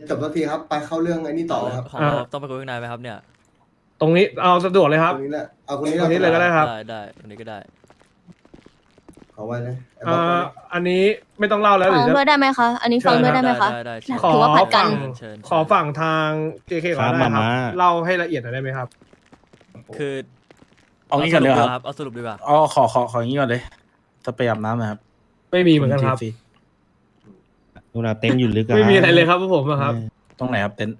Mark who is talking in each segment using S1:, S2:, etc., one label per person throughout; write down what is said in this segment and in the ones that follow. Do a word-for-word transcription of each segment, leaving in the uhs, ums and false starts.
S1: จบสักทีครับไปเข้าเรื่องไอ้นี่ต่อเลยครับ
S2: ของเราต้องไปคุยข้างในไหมครับเนี่ย
S3: ตรงนี้เอาสะดวกเลยค
S1: ต
S3: รับ
S1: รงนี้แหละเอาคนนี้
S3: ตรงนี้เลยก็ได้ครับ
S2: ได้ได้ตรงนี้ก็ได้
S1: ขอไว้เลยไอ้บ
S3: อ่
S1: ล็อกไว้
S3: า
S1: เลย
S3: อันนี้ไม่ต้องเล่าแล้วห
S4: ฟั
S3: รื
S4: ง
S3: อจะ
S4: ด้วยได้ไหมคะ อันนี้ฟังด้วยได้ไหมคะ
S2: ได้ได้ได้
S3: ขอ
S4: ถือว่าผัดกัน
S3: ฝั่ง
S2: เชิญ
S3: ขอฝั่งทาง เจ เค ก่อนได้ครับ เล่าให้ละเอียดหน่อยได้ไหมครับ
S2: คือ
S5: เอางี้ก่อนเลยครับ
S2: เอาสรุปดีกว่า
S5: อ๋อขอขอขออย่างนี้ก่อนเลยจะไปอาบน้ำนะครับ
S3: ไม่มีเหมือนกันครับ
S5: ที
S6: ดูนะเต็นท์อยู่ลึกอะ
S3: ไม่มีอะไรเลยครับพวกผมอะครับ
S5: ตรงไหนครับเต็นท์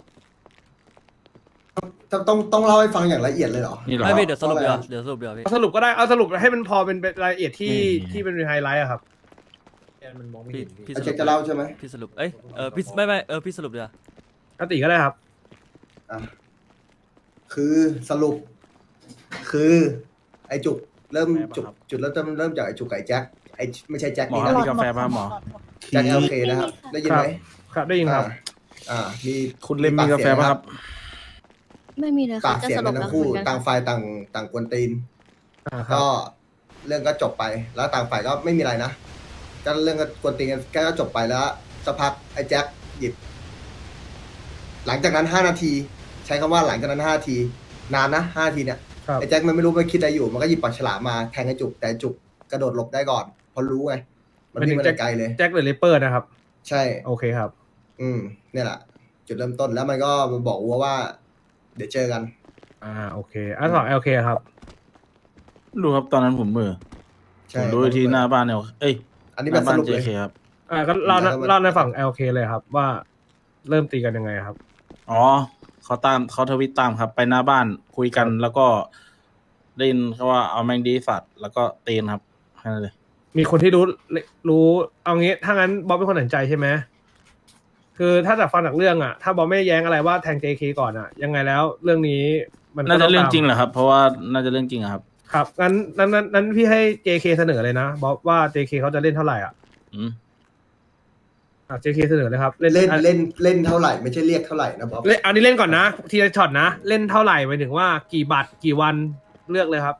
S1: ต้องต้องต้องเล่าให้ฟังอย่างละเอียดเลยเหรอ
S5: นี่เหรอ
S2: ไม่พี่เดี๋ยวสรุป
S1: เพ
S2: เดี๋ยว
S1: ราะอะไร
S2: เดี๋ยวสรุปเดี๋ยวพี่
S3: เอาสรุปก็ได้ เอาสรุปให้มันพอเป็นรายละเอียดที่ที่เป็นไฮไลท์อะครับ
S2: พี่พี่
S1: ไอ้
S2: ส
S1: เจ๊
S2: รุป
S1: จะเล่าใช่ไหม
S2: พี่สรุปเอ้ยเออพี่ไม่ไม่เออพี่สรุปเดี๋ยว
S3: อติก็ได้ครับ
S1: อ่ะคือสรุป คือ ไอ้จุกเริ่มจุกจุดเริ่มต้นเริ่มจากไอ้จุกไก่แจ็คไอ้ไม่ใช่แจ็ค
S5: หมอ
S1: นี่
S5: ครับ
S1: นะ
S5: มีกาแฟป่ะหมอ
S1: แจ็คเอลเคนะครับ ได้ยินไหม
S3: ครับได้ยินครับ
S1: อ่าอ่ามี
S5: คุณเล่มมีกาแฟป่ะครับ
S4: ไม่มีเลย
S1: ปา
S4: ค่ะ
S1: ก
S4: จะ
S1: เสียง
S4: สรุ
S1: กั
S4: ป
S1: น
S4: แล้
S1: ทั้
S4: ว
S1: ง
S4: คุ
S1: คู่
S4: ยกัน
S1: ต่าง
S4: ค่ะ
S1: ฝ่ายต่างต่างกวนตีน
S3: อ่าครับ
S1: ก็เรื่องก็จบไปแล้วต่างฝ่ายก็ไม่มีอะไรนะก็เรื่องก็กวนตีนกันก็จบไปแล้วสักพักไอ้แจ็คหยิบ หลังจากนั้นห้านาที ใช้คำว่าหลังจากนั้นห้านาที นานนะห้านาทีเนี่ย
S3: ครับ
S1: ไอ้แจ็คมันไม่รู้มันคิดอะไรอยู่ มันก็หยิบปากฉลามมาแทงไอ้จุกแต่จุกกระโดดหลบได้ก่อนเพราะรู้ไงมันวิ่งมาแต่ไกลเลย
S3: แจ็คหรือเลเปอร์นะครับ
S1: ใช่
S3: โอเคครับ
S1: อืมเนี่ยแหละ จุดเริ่มต้นแล้วมันก็มาบอกวัวว่า เดี๋ยวเจอกัน
S3: อ่าโอเคอ่ะสองโอเคครับ
S5: รู้ครับตอนนั้นผมมือ
S1: ใช่
S5: ผมดูที่หน้าบ้านเนี่ยเอ้ย
S1: อันนี้
S5: ห
S1: เป็
S5: น้าน บ้า
S1: ส
S5: น
S1: รุป
S5: เจ
S1: เลย
S5: เคครับ
S3: อ่าก็เล่า
S1: แล้วมัน
S3: เล่าในฝั่ง แอล เค เลยครับ ว่าเริ่มตีกันยังไงครับ
S5: อ๋อเขาตามเขาทวิตตามครับ ไปหน้าบ้านคุยกันแล้วก็ได้ยินเขาว่าเอาแมงดีสัตว์แล้วก็เตนครับแค่นั้นเลย
S3: มีคนที่รู้รู้เอางี้ถ้างั้นบ๊อบเป็นคนตัดสินใจใช่ไหมคือถ้าจากฟังจากเรื่องอ่ะ ถ้าบ๊อบไม่แย้งอะไรว่าแทง เจ เค ก่อนอ่ะ ยังไงแล้วเรื่องนี้มันก็
S5: น่าจะ
S3: ต้
S5: เรื่อง
S3: ตม
S5: จริงแหละครับ เพราะว่าน่าจะเรื่องจริงอะครับ
S3: ครับงั้นนั้นนั้นนั้นพี่ให้ เจ เค เสนอเลยนะบ๊อบว่า เจ เค เขาจะเล่นเท่าไหร่อ่ะ
S5: อืม
S3: อ่ะ เจ เค เสนอเลยครับเล่น
S1: เล่น
S3: อ่ะ
S1: เล่นเล่นเท่าไหร่ไม่ใช่เรียกเท่าไหร่นะบ๊อบ
S3: เล่นเอานี้เล่นก่อนนะทีละช็อตนะเล่นเท่าไหร่หมายถึงว่ากี่บัตรกี่วันเลือกเลยครับ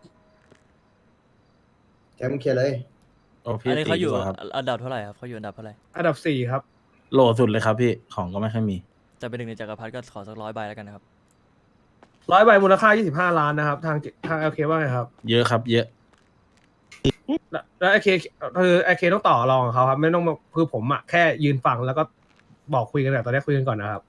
S1: แจ็คมึงเคลียร์เลย
S5: โอ้พี่
S2: อันนี้
S5: ตี
S2: เขาอยู่
S5: ดีกว่าครับ
S2: อันดับเท่าไหร่ครับเขาอยู่อันดับเท่าไหร่
S3: อันดับสี่ครับ
S5: โหลสุดเลยครับพี่ของก็ไม่ค่อยมี
S2: จะเป็นหนึ่งในจักรพรรดิก็ขอสักร้อยใบแล้วกันนะครับ
S3: ร้อยใบมูลค่ายี่สิบห้าล้านนะครับ ทางทาง แอล เค ว่าไงครับ
S5: เยอะครับ เยอะ
S3: แล้วแล้วไอเคคือไอเคต้องต่อรองกับเขาครับ ไม่ต้องมาคือผมอะแค่ยืนฟังแล้วก็บอกคุยกันแต่ตอนนี้คุยกันก่อนนะครับ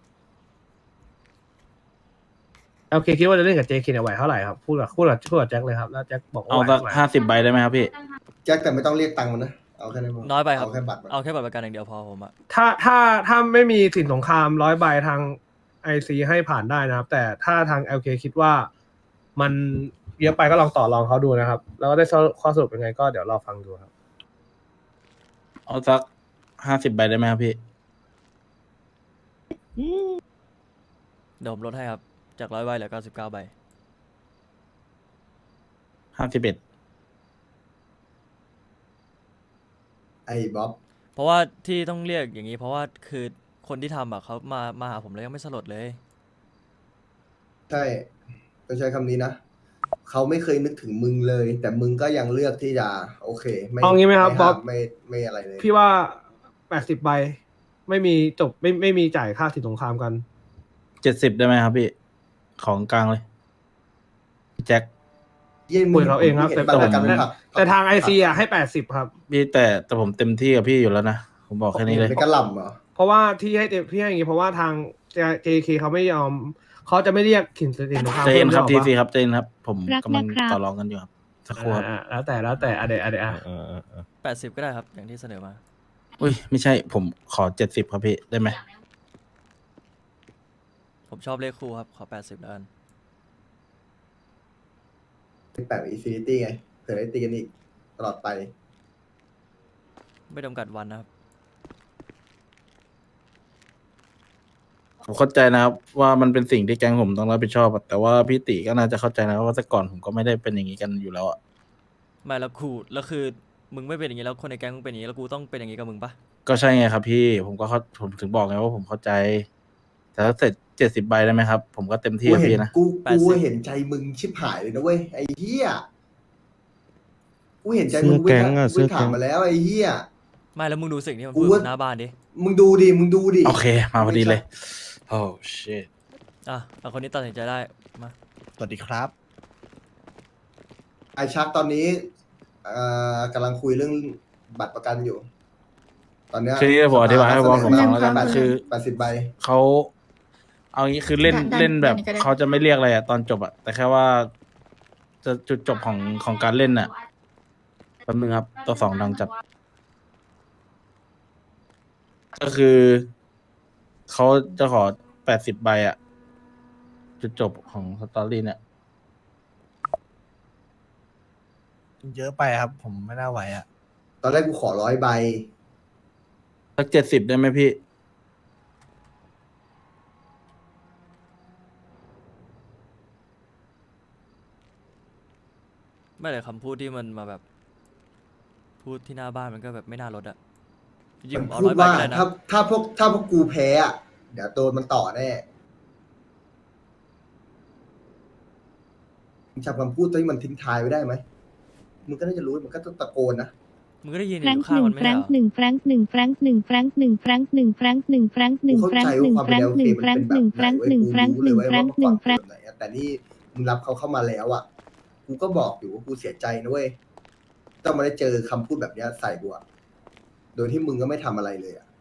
S3: โอเคคิดว่าจะเล่นกับเจเคเนี่ยไหวเท่าไหร่ครับพูดกับพูดกับพูดกับแจ็คเลยครับแล้วแจ็คบอกว่า
S5: เอา
S3: ไหว
S5: สัก
S3: เท่าไหร่
S5: ห้าสิบใบได้ไหมครับพี่
S1: แจ็คแต่ไม่ต้องเรียกตังค์มันนะเอาแค่นั้นพอ
S2: น้อยไปครับ
S1: เอาแค่บัตรมัน
S2: เอาแค่บัตรประกันอย่างเดียวพอผมอะ
S3: ถ้าถ้าถ้าไม่มีสินสงครามร้อยใบทางไอซีให้ผ่านได้นะครับ แต่ถ้าทาง แอล เค คิดว่ามันเยอะไปก็ลองต่อรองเขาดูนะครับ แล้วก็ได้ข้อสรุปเป็นไงก็เดี๋ยวรอฟังดูครับ
S5: เอาสักห้าสิบใบได้ไหมครับพี่
S2: เดี๋ยวผมลดให้ครับจากร้อยใบเหลือเก้าสิบเก้าใบ
S5: ห้าสิบเอ็ด
S1: ไอ้บ๊อบ
S2: เพราะว่าที่ต้องเรียกอย่างนี้เพราะว่าคือคนที่ทำอะเขามามาหาผมแล้วยังไม่สลดเลย
S1: ใช่ต้องใช้คำนี้นะเขาไม่เคยนึกถึงมึงเลย แต่มึงก็ยังเลือกที่จะโอเค ไม่
S3: เอางี้ไหมครับ
S1: ห้า
S3: บ๊อบ
S1: ไม่ไม่อะไรเลย
S3: พี่ว่าแปดสิบใบไม่มีจบไม่ไม่มีจ่ายค่าสินสงครามกัน
S5: เจ็ดสิบได้ไหมครับพี่ ของกลางเลย แจ็ค
S1: เยี่ยม
S3: คุยเขาเองครับ
S1: ห็น
S3: แต่
S1: บัตรประกัน
S3: แต่
S1: ไหมครับ
S3: แต่ทางไอซีอ่ะให้แปดสิบครับ
S5: พี่แต่แต่ผมเต็มที่กับพี่อยู่แล้วนะ ผมบอกแค่นี้เลย
S1: เป็นกระหล่ำเหรอ
S3: เพราะว่าที่ให้พี่ให้อย่างงี้เพราะว่าทาง เจ เค เขาไม่ยอมเขาจะไม่เรียกสินสินสงคราม
S5: เจนครับ
S3: พิ่
S5: ที
S3: มหอ
S5: ซี
S3: เปล่า
S5: ครับเจนครับ ผม
S4: รัก
S5: กำลัง
S4: นะครับ
S5: ต่อรองกันอยู่ครับสักครู่ครับ
S3: อ่าแล้วแต่แล้วแต่อะเดะอะเดะอ่ะ
S6: เออเออเออ
S2: แปดสิบก็ได้ครับอย่างที่เสนอมา
S5: อุ้ยไม่ใช่ ผมขอเจ็ดสิบครับพี่ได้ไหม
S2: ผมชอบเลขคู่ครับขอแปดสิบแล้วกัน
S1: แปดอินฟินิตี้ไงเผื่อได้ตีกันอีกตลอดไป
S2: ไม่จำกัดวันนะครับ
S5: ผมเข้าใจนะครับ ว่ามันเป็นสิ่งที่แก๊งผมต้องรับผิดชอบอะแต่ว่าพี่ติก็น่าจะเข้าใจนะว่าแต่ก่อนผมก็ไม่ได้เป็นอย่างนี้กันอยู่แล้วอะ
S2: ไม่แล้วคู่แล้วคือมึงไม่เป็นอย่างนี้แล้วคนในแก๊งมึงเป็นอย่างนี้แล้วกูต้องเป็นอย่างนี้กับมึงปะ
S5: ก็ใช่ไงครับพี่ผมก็เข้าผมถึงบอกไงว่าผมเข้าใจ แต่ถ้าเสร็จเจ็ดสิบใบได้ไหมครับ ผมก็เต็มที่
S1: กู
S5: กับ
S1: เห็น
S5: พี่นะ
S1: กูกูเห็นใจมึงชิบหายเลยนะเว้ยไอ้เหี้ยกูเห็นใจมึง
S6: เสื้อแก๊งอะ
S1: กู
S6: เสื้อ
S1: ถาม
S6: แก๊ง
S1: มาแล้วไอ้เหี้ย
S2: ไม่แล้วมึงดูสิ่งที่มัน
S1: กู
S2: พูด
S1: ว่า
S2: หน้าบ้านดิ
S1: มึงดูดิมึงดูดิ
S5: โอเค มาพอดีเลย โอ้ shit
S2: อ่ะเอาคนนี้ตัดสินใจได้มา
S7: สวัสดีครับ
S1: ไอชักตอนนี้เอ่อกำลังคุยเรื่องบัตรประกันอยู่ ตอนเนี้ย
S5: คือที่ผมอธิบายให้บอสผมฟังแล้วกัน
S1: แปด
S5: คือ
S1: แปดสิบใบ
S5: เขาเอางี้คือเล่น
S4: ได้ได้
S5: เล่นแบบ
S4: ได้ได้
S5: เขาจะไม่เรียกอะไรอะตอนจบอะแต่แค่ว่า จะจุดจบของของการเล่นอะแป๊บนึงครับ ตัวสองดังจัด ก็คือเขาจะขอแปดสิบใบอะจุดจบของสตอรี่เนี่ย
S7: เยอะไปครับ ผมไม่น่าไหวอ่ะ
S1: ตอนแรกกูขอร้อยใบ
S5: สักเจ็ดสิบได้ไหมพี่
S2: ไม่เลยคำพูดที่มันมาแบบ พูดที่หน้าบ้านมันก็แบบไม่น่าลดอะจริง
S1: มัน
S2: ๆเอา
S1: พู
S2: ร้
S1: ด
S2: อยใบ
S1: ว่า
S2: ก็ได้นะ
S1: ถ้าถ้าพวกถ้าพวกกูแพ้อะเดี๋ยวโดนมันต่อแน่มึงจำคำพูดที่มันทิ้งท้ายไว้ได้ไหมมึงก็น่าจะรู้มันก็ต้องตะโกนนะ
S2: มึงก็ได้ยินอ
S8: แฟรง
S2: ยู่
S8: ค์
S2: ข้าง
S8: หนึ่
S2: มั
S8: ง
S2: นไม่
S8: แฟร
S2: ใช่
S8: ง
S2: เหร
S8: ค์
S2: อ
S8: หนึ่งแฟรงค์หนึ่งแฟรงค์หนึ่งแฟรงค์หนึ่งแฟรงค์หนึ่งแฟรงค์หนึ่งแฟรงค์หนึ่งแฟรงค์หนึ่งแฟรงค์หนึ่งแฟรงค์หนึ่งแฟรงค์หนึ่งแฟรงค์หนึ่งแฟรงค์หนึ่งแฟรงค์หนึ่งแฟรงค์
S1: แต่นี่มึงรับเขาเข้ามาแล้วอ่ะ กูก็บอกอยู่ว่ากูเสียใจนะเว้ย ต้องมาได้เจอคำพูดแบบเนี้ยใส่กูอะโดยที่มึงก็ไม่ทำอะไรเลยอ่ะ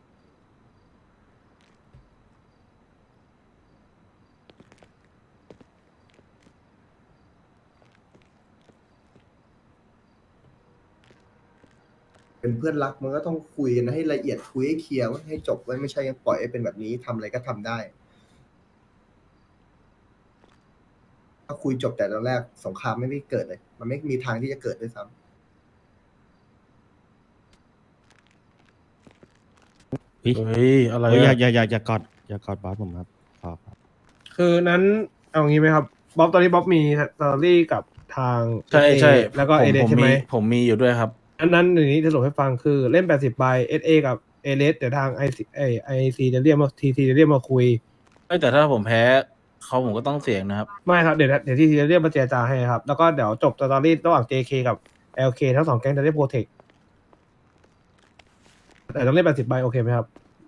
S1: เป็นเพื่อนรักมันก็ต้องคุยกันให้ละเอียดคุยให้เคลียร์ให้จบไว้ไม่ใช่ยังปล่อยให้เป็นแบบนี้ทำอะไรก็ทำได้ ถ้าคุยจบแต่ตอนแรกสงครามไม่ได้เกิดเลย มันไม่มีทางที่จะเกิดด้วยซ้ำ
S6: เฮ้ย
S5: เฮ้ย อะไร
S6: เฮ้ยอย่า
S5: อะ
S6: อย่าอย่าอย่ากอดอย่ากอดบอสผมครับขอครับ
S3: คือนั้นเอางี้ไหมครับบ๊อบตอนนี้บ๊อบมีสตอรี่กับทาง
S5: ใช่ใช่
S3: แล้วก็
S5: ผม
S3: เอเด
S5: ผม
S3: ใช่ไหม
S5: ผมมีอยู่ด้วยครับ
S3: อันนั้นอย่างนี้จะสรุปให้ฟังคือเล่นแปดสิบใบเอสเอกับเอเลสเดี๋ยวทางไอซีไอไอซีจะเรียกมาทีทีจะเรียกมาคุย
S5: เอ้ยแต่ถ้าผมแพ้เขาผมก็ต้องเสี่ยงนะครับ
S3: ไม่ครับเดี๋ยวเดี๋ยวที่ทีจะเรียกมาเจรจาให้ครับ แล้วก็เดี๋ยวจบสตอรี่ระหว่าง เจ เค กับ แอล เค ทั้งสองแก๊งจะได้โปรเทคแต่ต้องเล่นแปดสิบใบโอเคไหมครับ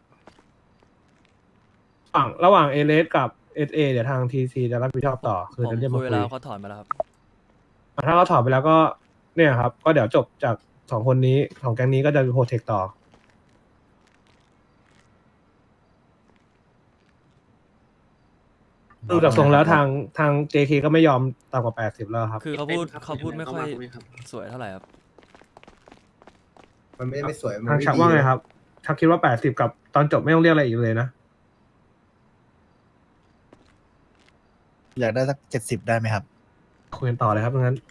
S3: ระหว่างระหว่างเอเลสกับเอสเอเดี๋ยวทางทีซีจะรับผิดชอบต่อคือ
S2: ผม
S3: จะเรียก
S2: คุ
S3: มาย คุ
S2: เวย ลาเขาถอนมาแล้วครับ
S3: อ่ะถ้าเขาถอดไปแล้วก็เนี่ยครับ ก็เดี๋ยวจบจากสองคนนี้สองแก๊งนี้ก็จะโปรเทคต่อ ดูจากทรงแล้วทางทาง เจ เค ก็ไม่ยอมต่ำกว่าแปดสิบแล้วครับ
S2: คือเขาพูดเขาพูดไม่ค่อยสวยเท่าไหร่ครับ
S1: มันไม่ไม่สวยมัน
S3: ทาง
S1: ไม่
S3: ชัก
S1: ดี
S3: ว่าไงครับ ชักคิดว่าแปดสิบกับตอนจบไม่ต้องเรียกอะไรอีกเลยนะ
S7: อยากได้สักเจ็ดสิบได้ไหมครับ
S3: คุยกันต่อเลยครับงั้น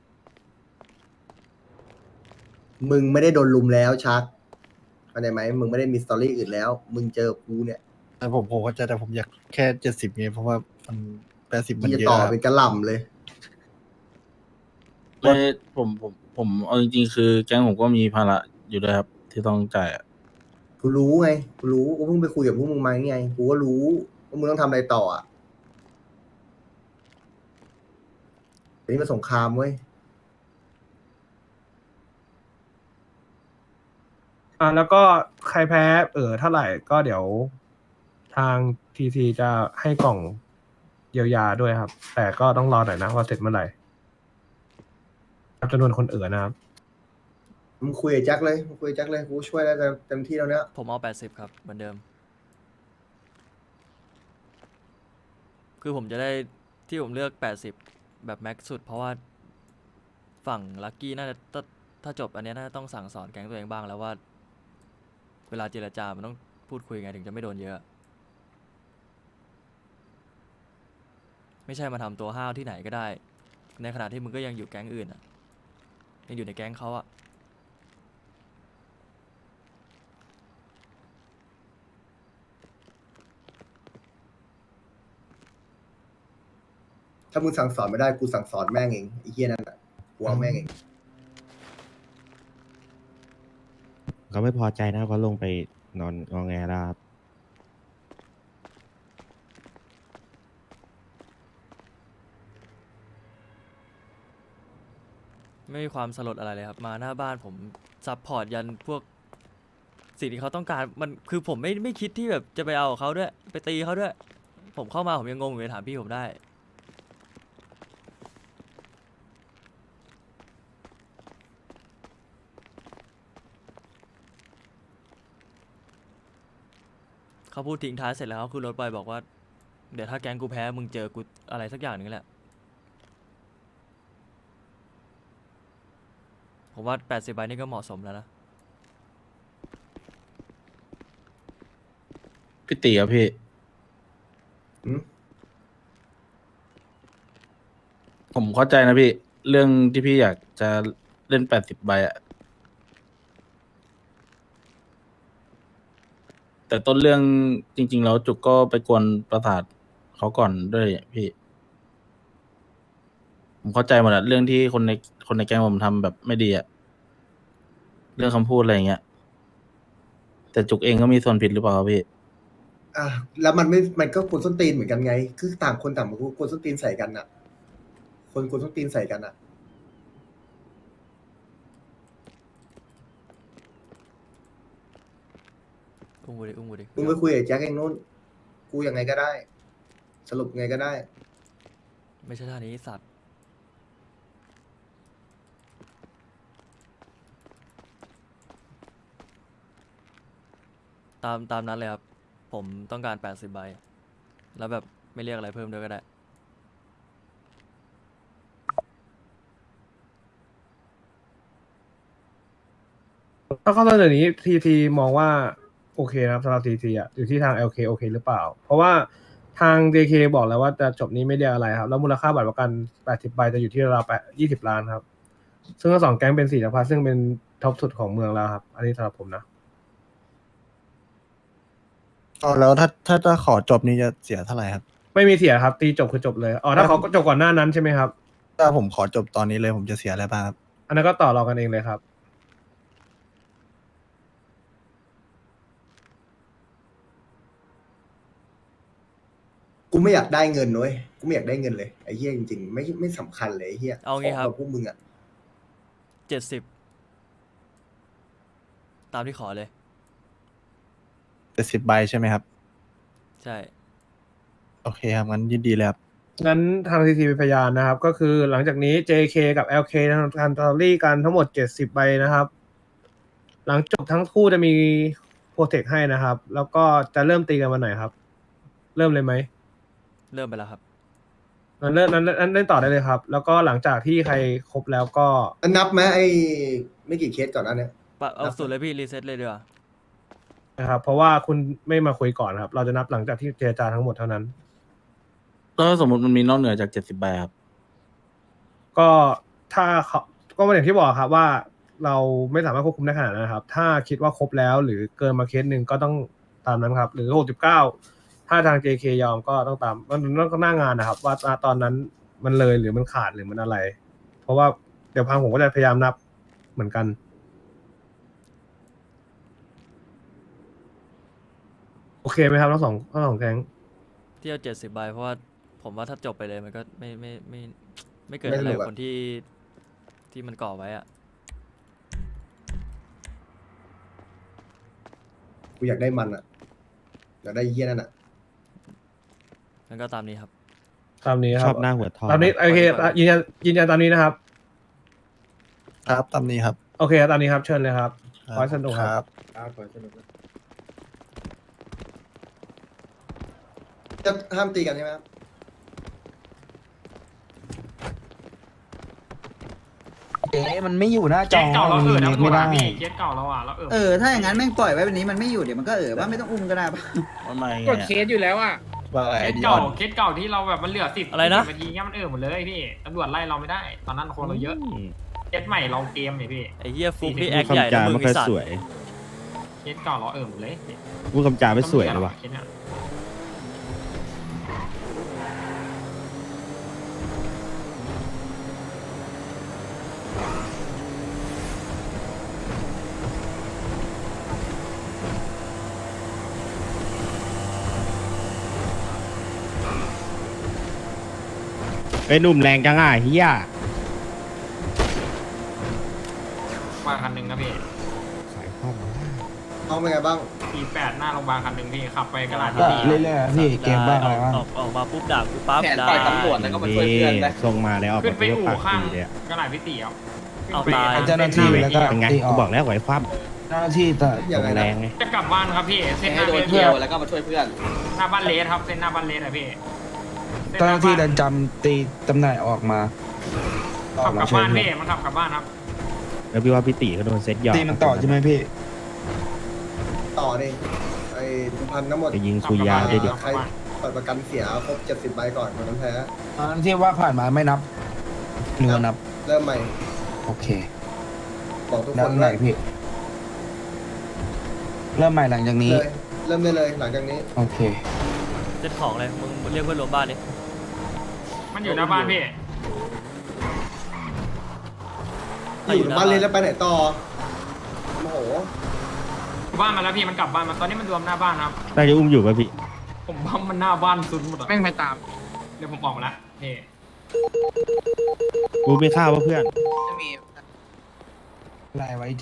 S1: มึงไม่ได้โดนลุมแล้วชักเข้าใจไหมมึงไม่ได้มีสตอรี่อื่นแล้ว มึงเจอกูเนี่ย
S7: แต่ผมผมก็จะแต่ผมอยากแค่เจ็ดสิบไงเพราะว่ามันแปดสิบมัน
S1: ที่จะ
S7: เยอะ
S1: ต่อ
S7: ครับ
S1: เป็นกระหล่ำเลย
S5: ไม่ผมผมผมเอาจริงๆคือแก๊งผมก็มีภาระอยู่ด้วยครับ ที่ต้องจ่ายอะ
S1: กูรู้ไง กูรู้กูเพิ่งไปคุยกับพวกมึงมาไง กูก็รู้ว่ามึงต้องทำอะไรต่ออ่ะอันนี้มันสงครามเว้ย
S3: อ่าแล้วก็ใครแพ้เออเท่าไหร่ก็เดี๋ยวทางทีทีจะให้กล่องเยียวยาด้วยครับ แต่ก็ต้องรอหน่อยนะว่าเสร็จเมื่อไหร่จำนวนคนเอ๋อนะครับ
S1: มึงคุยกับแจ็คเลยมึงคุยกับแจ็คเลย กูช่วยได้เต็มที่แล้วเนี่ย
S2: ผมเอาแปดสิบครับเหมือนเดิม คือผมจะได้ที่ผมเลือกแปดสิบแบบแม็กซ์สุด เพราะว่าฝั่งลักกี้น่าจะถ้าถ้าจบอันเนี้ยน่าจะต้องสั่งสอนแก๊งตัวเองบ้างแล้วว่า เวลาเจรจา มันต้องพูดคุยไงถึงจะไม่โดนเยอะ ไม่ใช่มาทำตัวห้าวที่ไหนก็ได้ ในขณะที่มึงก็ยังอยู่แก๊งอื่นอ่ะ ยังอยู่ในแก๊งเขาอ่ะ
S1: ถ้ามึงสั่งสอนไม่ได้กูสั่งสอนแม่งเองไอ้เหี้ยนั่นอ่ะกูเอาแม่งเอง
S6: เขาไม่พอใจนะเขาลงไปนอนงอแงแล้วครับ
S2: ไม่มีความสลดอะไรเลยครับ มาหน้าบ้านผมซัพพอร์ตยันพวกสิ่งที่เขาต้องการมันคือผมไม่ไม่คิดที่แบบจะไปเอากับเขาด้วย ไปตีเขาด้วย ผมเข้ามาผมยังงงอยู่เลยถามพี่ผมได้ เขาพูดทิ้งท้ายเสร็จแล้วเขาขึ้นรถไปบอกว่า เดี๋ยวถ้าแก๊งกูแพ้มึงเจอกูอะไรสักอย่างหนึ่งแหละ ผมว่าแปดสิบใบนี่ก็เหมาะสมแล้วนะ
S5: พี่ตีครับพี่
S1: อืม
S5: ผมเข้าใจนะพี่ เรื่องที่พี่อยากจะเล่นแปดสิบใบอะแต่ต้นเรื่องจริง ๆ แล้วจุกก็ไปกวนประสาทเขาก่อนด้วยพี่ ผมเข้าใจหมดอะเรื่องที่คนในคนในแก๊งผมทำแบบไม่ดีอะเรื่องคำพูดอะไรอย่างเงี้ย แต่จุกเองก็มีส่วนผิดหรือเปล่าครับพี่
S1: อ่ะแล้วมันไม่มันก็กวนส้นตีนเหมือนกันไง คือต่างคนต่างมากวนส้นตีนใส่กันอ่ะ คนกวนส้นตีนใส่กันอ่ะ
S2: อุ้มกูดิอุ้มกูดิ
S1: มึงไปคุยกับแจ็คเองนู้นกูยังไงก็ได้ สรุปไงก็ได้
S2: ไม่ใช่ท่านี้สัตว์ ตามตามนั้นเลยครับ ผมต้องการแปดสิบใบ แล้วแบบไม่เรียกอะไรเพิ่มด้วยก็ได้
S3: ถ้าข้อเสนอนี้ทีทีมองว่าโอเคนะครับสำหรับทีทีอ่ะอยู่ที่ทาง แอล เค โอเคหรือเปล่า เพราะว่าทาง เจ เค บอกแล้วว่าจะจบนี้ไม่เรียกอะไรครับ แล้วมูลค่าบัตรประกันแปดสิบใบจะอยู่ที่ราวๆยี่สิบล้านครับ ซึ่งทั้งสองแก๊งเป็นสี่จักรพรรดิซึ่งเป็นท็อปสุดของเมืองแล้วครับ อันนี้สำหรับผมนะ
S7: อ๋อแล้วถ้าถ้าถ้าขอจบนี้จะเสียเท่าไหร่ครับ
S3: ไม่มีเสียครับ ตีจบคือจบเลยอ๋อถ้าเขาก็จบก่อนหน้านั้นใช่ไหมครับ
S7: ถ้าผมขอจบตอนนี้เลยผมจะเสียอะไรบ้างครับ
S3: อันนั้นก็ต่อรองกันเองเลยครับ
S1: กูไม่อยากได้เงินนุ้ยกูไม่อยากได้เงินเลยไอ้เหี้ยจริงๆไม่ไม่สำคัญเลยไอ้เหี้ย
S2: เอางี้ครับ
S1: ขกับพวกมึงอ่ะ
S2: เจ็ดสิบ ตามที่ขอเลย
S7: เจ็ดสิบใบใช่ไหมครับ
S2: ใช่
S7: โอเคครับงั้นยินดีเลยครับ
S3: งั้นทางทีทีเป็นพยานนะครับ ก็คือหลังจากนี้ เจ เค กับ แอล เค ทำการตอรี่กันทั้งหมดเจ็ดสิบใบนะครับ หลังจบทั้งคู่จะมีโปรเทคให้นะครับ แล้วก็จะเริ่มตีกันวันไหนครับ เริ่มเลยไหม
S2: เริ่มไปแล้วครับ
S3: งั้นเริ่มนั้นนั้นเล่นต่อได้เลยครับ แล้วก็หลังจากที่ใครครบแล้วก็
S1: นับไหมไอ้ไม่กี่เคสก่อนหนั้นเนี่ย
S2: ปะเอาสุดเลยพี่ รีเซ็ตเลยดีกว่า
S3: นะครับ เพราะว่าคุณไม่มาคุยก่อนครับ เราจะนับหลังจากที่เจรจาทั้งหมดเท่านั้น
S5: แล้วถ้าสมมติมันมีนอกเหนือจากเจ็ดสิบใบครับ
S3: ก็ถ้าเขาก็อย่างที่บอกครับว่าเราไม่สามารถควบคุมได้ขนาดนั้นนะครับ ถ้าคิดว่าครบแล้วหรือเกินมาเคสหนึ่งก็ต้องตามนั้นครับ หรือหกสิบเก้าถ้าทาง เจ เค ยอมก็ต้องตามมันต้องก็หน้างานนะครับ ว่าตอนนั้นมันเลยหรือมันขาดหรือมันอะไร เพราะว่าเดี๋ยวพังผมก็จะพยายามนับเหมือนกัน โอเคไหมครับทั้งสองทั้งสองแก๊ง
S2: ที่เอาเจ็ดสิบใบเพราะว่าผมว่าถ้าจบไปเลยมันก็ไม่ไม่ไม่ไม่เกิด
S1: ไม่
S2: อะไร
S1: สนุก
S2: กับ
S1: อะ
S2: คนที่ที่มันก่อไว้อะ
S1: กูอยากได้มันอ่ะ อยากได้ไอ้เหี้ยนั่นอ่ะ
S2: งั้นก็ตามนี้ครับ
S3: ตามนี้ค
S6: ช
S3: รั
S6: อบ บหน้าหัวทอง
S3: ตามนี้โอเคยืนยันยืนยันตามนี้นะครับ
S7: ครับตามนี้ครับ
S3: โอเคตามนี้ครับเชิญเลยครับขอให้สนุกครับ
S1: จะห้ามตีกันใช่ไหมครับ
S9: เอ๊ะมันไม่อยู่หน้าจ
S10: เจ็
S9: อ
S10: ดเก่าเราเออนะ
S9: ไม่ได้
S10: พี่เจ็ดเก่าเราอ่ะเราเออ
S9: เออ ถ้าอย่างนั้นแม่งปล่อยไว้แบบนี้มันไม่อยู่เดี๋ยวมันก็เออว่าไม่ต้องอุ้มก็ได้ปะ
S5: ว่าไม่ไง
S3: กด
S5: อะ
S3: เคสอยู่แล้วอ่ะ
S7: ว่าไง
S10: เค
S7: ไอ้
S10: ส
S7: ดิอ
S10: เก่า
S7: อน
S10: เคสเก่าที่เราแบบมันเหลือสิบ
S2: อะไรนะ
S10: นาทีเงี้ยมันเออหมดเลยพี่ตำรวจไล่เราไม่ได้ ตอนนั้นคนเราเยอะเคสใหม่เราเกมเนี่ยพี่
S2: ไอ้เหี้ยฟุกนี่
S10: พูด
S2: แอคใหญ่
S6: คำจา
S2: นะมึง
S6: ไม่
S2: ไอ้
S6: ค่อย
S2: สัต
S6: ส
S2: ว์
S6: วย
S10: เคสเก่าเราเออหมดเลย
S6: พูดคำจาไม่สวยเลยว่ะ
S10: เคสเนี่ย
S6: ไอ้หนุ่มแรงจังอ่ะเฮีย
S10: มาคันหนึ่งนะพี่
S6: ขายความมา
S1: เอาเป็นไงบ้าง
S10: สี่แปดหน้าโรงพยาบาลคันหนึ่งพี่ขับไปกระดาษ
S2: ก็
S10: พี่
S2: เรื่อยๆพี่เกมบ้างอะไรบ้างออกออกมาปุ๊บด่ากูปั๊บด่า
S6: ส่งมาแล้วออก
S10: ขึ้น
S6: มา
S10: ไป
S6: เพื่อ
S10: อู่
S6: ปาก
S10: ข้าง
S6: ดีเลยอะ
S10: กระดาษพี่ตีเอา
S2: เอาตาย
S10: เจ้าหน้าที่
S6: แล้วก็เป็นไงกูบอกแล้วไหวคว่
S3: เจ้าหน้าที่แต่
S6: ำ
S1: ยังไง
S6: แร
S1: นะ
S6: งไง
S10: จะกลับบ้านครับพี่เส้นหน้าเลส
S11: เที่ยวแล้วก็มาช่วยเพื่อน
S10: หน้าบ้านเลสครับเส้นหน้าบ้านเลสอะพี่ส้
S3: เจ้าหน้าที่เดิน
S10: บ้
S3: จำตีตำแหน่งออกมา
S10: ขับกลับบ้านพี่มันขับกลับบ้านครับ
S6: แล้วพี่ว่าพี่ตีเขาโดนเซ็ตหยอก
S3: ตีมันต่อใช่ไหมพี่
S1: ต่อนี่ไอ้ทุกพันทั้งหมด
S6: จะยิงซุยยาได้ดิ
S1: ใครเปิดประกันเสียครบเจ็ดสิบใบก่อนวันนั้นแพ้
S3: ตอนที่ว่าผ่านมาไม่นับหรือว่านับ
S1: เริ่มใหม่
S3: โอเค
S1: บอกทุกค
S3: เริ่
S1: น
S3: มใหม่
S1: ว่า
S3: พี่ เริ่มใหม่หลังจากนี้
S1: เลยเริ่มได้เลยหลังจากนี้
S3: โอเค
S2: เซ็ตของเลยมึงมึงเรียกเพื่อนรวมบ้านดิ
S10: มันอยู่หน้าบ้านพี่
S1: อยู่บ้านเลยแล้วไปไหนต่อโอ้โห
S10: บ้านมาแล้วพี่มันกลับบ้านมาตอนนี้มันรวมหน้าบ้านครับ
S6: ได้จะอุ้มอยู่ป่ะพี่
S10: ผมว่ามันหน้าบ้านสุดหมดอะแม่งไปตามเดี๋ยวผมออกมาละนี่
S6: กูไม่ข้าวป่ะเพื่อน
S11: จะมี
S3: ไล่ไว้เจ๊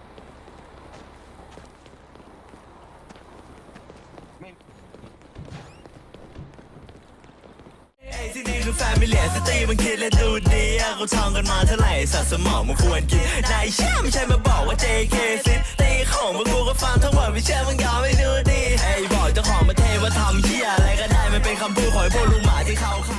S12: ที่นี่คือแฟมิเลียสตรีมันคิดและดูดีอะเขาท่องกันมาเท่าไหร่สัตว์สมองมันควรกินนายเชื่อไม่ใช่มาบอกว่า เจ เค ซิตีของพวกกูก็ฟังทั้งหมดไม่เชื่อมึงยอมไม่ดูดีไอ้บอกเจ้าของมาเทว่าทำเหี้ยอะไรก็ได้มันเป็นคำพูดของไอ้พวกลุงหมาที่เขา